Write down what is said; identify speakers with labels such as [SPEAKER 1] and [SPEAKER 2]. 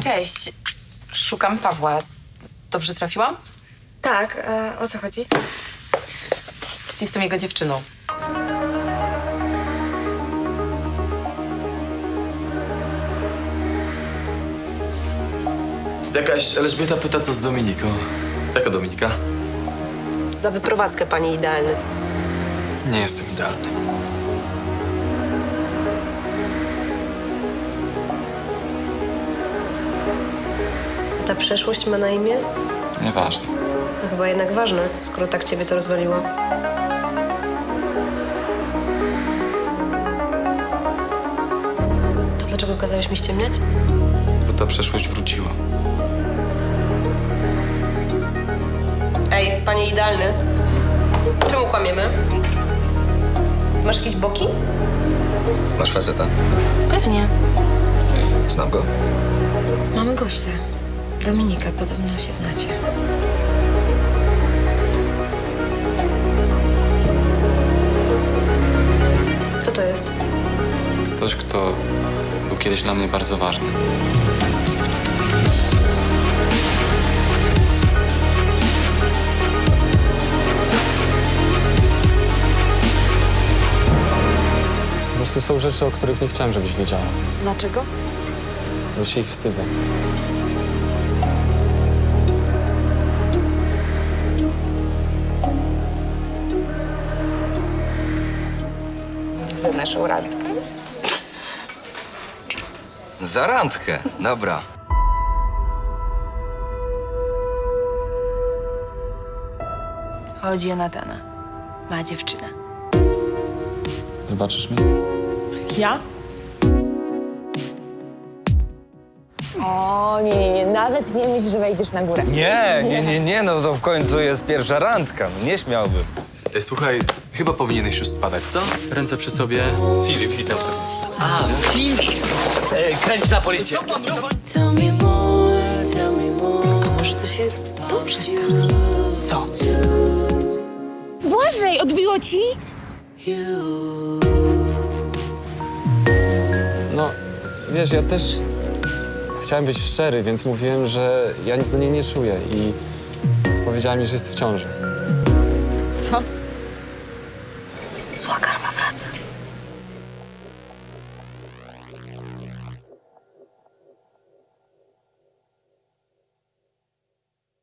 [SPEAKER 1] Cześć. Szukam Pawła. Dobrze trafiłam?
[SPEAKER 2] Tak, a o co chodzi?
[SPEAKER 1] Jestem jego dziewczyną.
[SPEAKER 3] Jakaś Elżbieta pyta, co z Dominiką. Jaka Dominika?
[SPEAKER 2] Za wyprowadzkę, panie idealny.
[SPEAKER 3] Nie jestem idealny.
[SPEAKER 2] A ta przeszłość ma na imię?
[SPEAKER 3] Nieważne.
[SPEAKER 2] No chyba jednak ważne, skoro tak ciebie to rozwaliło. To dlaczego kazałeś mi ściemniać?
[SPEAKER 3] Bo ta przeszłość wróciła.
[SPEAKER 2] Ej, panie idealny. Czemu kłamiemy? Masz jakieś boki?
[SPEAKER 4] Masz faceta?
[SPEAKER 5] Pewnie.
[SPEAKER 4] Znam go?
[SPEAKER 5] Mamy gościa. Dominikę, podobno się znacie.
[SPEAKER 2] Kto to jest?
[SPEAKER 3] Ktoś, kto był kiedyś dla mnie bardzo ważny.
[SPEAKER 6] Po prostu są rzeczy, o których nie chciałem, żebyś wiedziała.
[SPEAKER 5] Dlaczego?
[SPEAKER 6] Bo się ich wstydzę.
[SPEAKER 1] Za naszą randkę.
[SPEAKER 4] Za randkę, dobra.
[SPEAKER 5] Chodzi o Natana. Ma dziewczynę.
[SPEAKER 6] Zobaczysz mnie?
[SPEAKER 1] Ja?
[SPEAKER 7] O, nie, nawet nie myśl, że wejdziesz na górę.
[SPEAKER 8] Nie, no to w końcu jest pierwsza randka, no nie śmiałbym.
[SPEAKER 3] Słuchaj, chyba powinieneś już spadać, co? Ręce przy sobie. Filip, witam serdecznie.
[SPEAKER 8] Kręć na policję.
[SPEAKER 2] A może to się dobrze stało?
[SPEAKER 1] Co?
[SPEAKER 7] Błażej, odbiło ci?
[SPEAKER 6] No, wiesz, ja też chciałem być szczery, więc mówiłem, że ja nic do niej nie czuję i powiedziała mi, że jest w ciąży.
[SPEAKER 5] Co?